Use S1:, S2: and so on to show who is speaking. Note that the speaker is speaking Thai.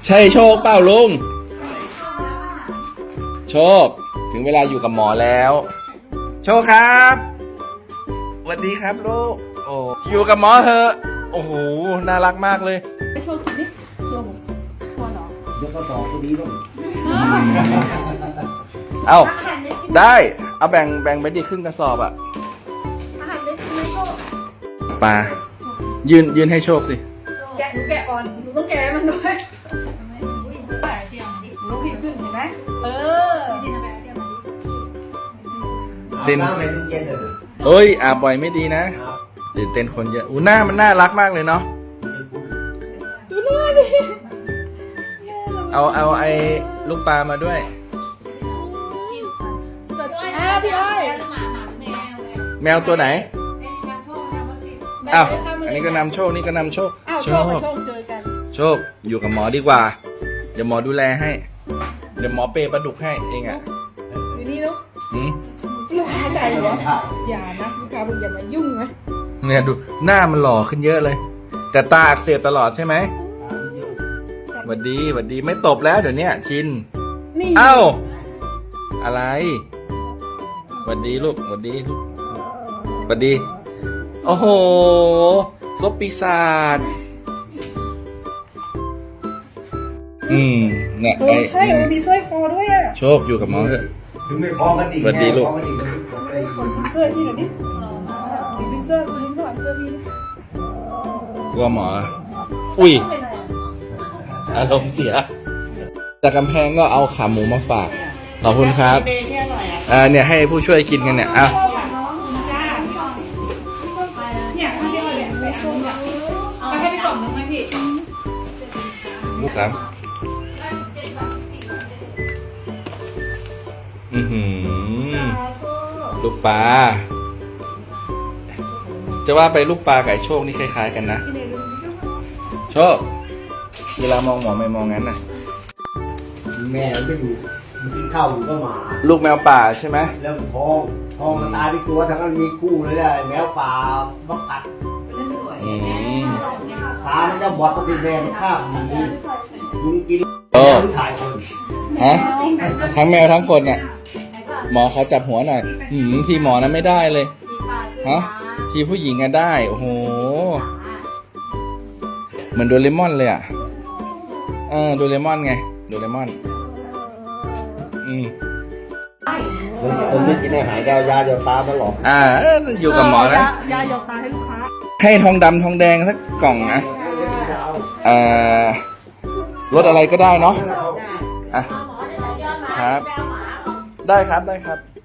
S1: ใช่โชคเปล่าลุงโชคถึงเวลาอยู่กับหมอแล้ว โชคครับสวัสดีครับลูกโอ้อยู่กับหมอเถอะโอ้โหน่ารักมากเลย
S2: ไปโชว์กินดิโชว์ชวนเหรอ
S3: เดี๋ยวก็ต่อตัวนี้ลูก
S1: เอาได้เอาแบ่งไปดิครึ่งกระสอบอะ
S2: อาหารเล็กไม่โชว์
S1: ปลายืนให้โชคสิ
S2: แกะหนูแกะอ่อนหนูต้องแกะมันด้วยหนูผิดขึ้นเห็นไหม
S1: สิน
S3: น้ำให้ทุกเย็นเลย
S1: เอ้ยอาบบ่อยไม่ดีนะตื่นเต้นคนเยอะอู้หน้ามันน่ารักมากเลยเนาะ
S2: ดูหน้าดิ
S1: เอาไอ้ลูกปลามาด้วย
S2: พี่อ้อย
S1: แมวตัวไหนอ้าวอันนี้ก็นำโชคนี่ก็นำโชค
S2: อ้าวโชคกับโชคเจอกัน
S1: โชคอยู่กับหมอดีกว่าเดี๋ยวหมอดูแลให้เดี๋ยวหมอเปย์ปลาดุกให้เองอ่ะ
S2: อยู่นี่เนาะ
S1: หืม
S2: ลูกค้าใจเหรออย่านะลูกค้าบอกอย่ามายุ่งนะ
S1: เนี่ยดูหน้ามันหล่อขึ้นเยอะเลย แต่ตาอักเสบตลอดใช่ไหมหวัดดีไม่ตบแล้วเดี๋ยวนี้ชิน
S2: นี่
S1: เอ้าอะไรหวัดดีลูกหวัดดีลูกหวัดดีโอ้โหซบปีศาจเนี่ยไอ้
S2: ใช่มันมีสร้อยคอด้วยอ่ะ
S1: โชคอยู่กับหมอเถอะ
S3: ถึงไม่คล้องกันอีก
S1: สวัสดีลูก
S3: คล้องกันอีกไอ้
S2: เสื้อพี่หน่อยดิดึงเสื้อดึงข้างหลังเสื้อพี่
S1: กลัวหมอ อุ้ยอารมณ์เสียจากกำแพงก็เอาขาหมูมาฝากขอบคุณครับเนี่ยให้ผู้ช่วยกินกันเนี่ยอ่ะ
S2: เนี่ยพี่อ้อยเนี่ยไปเอาเนี่ย
S4: เอาให้ไปกล่องนึงไหมพี่
S1: สามลูกปลาจะว่าไปลูกปลาไก่โชคนี่คล้ายๆกันนะโชคเวลามองหมอไม่มองงั้นนะ
S3: แม่มันก็อยู่มันกินข้าวอยู่ก็หมา
S1: ลูกแมวป่าใช่ไหม
S3: แล้วมันท้องมันตายไปตัวทั้งนั้นมีคู่เลยแหละแมวป่าบักกัด
S1: อืม
S3: ตามันจะบอดปกติแม่มันฆ่ามันหนียุงกิน
S1: โอ้
S3: หรือถ่ายคน
S1: ฮะทั้งแมวทั้งคนเนี่ยหมอเขาจับหัวหน่อยทีหมอนั้นไม่ได้เลยฮะทีผู้หญิงอะได้โอ้โหเหมือนโดเรมอนเลยอ่ะโดเรมอนไงโดเรมอน
S3: คนไม่กินอาหารก็เอายาเดี๋ยวตาตลอด
S1: อยู่กับหมอนะ
S2: ยาหยอกตาให้ลูกค้า
S1: ให้ทองดำทองแดงสักกล่องนะรสอะไรก็ได้เนาะอ่ะครับได้ครับ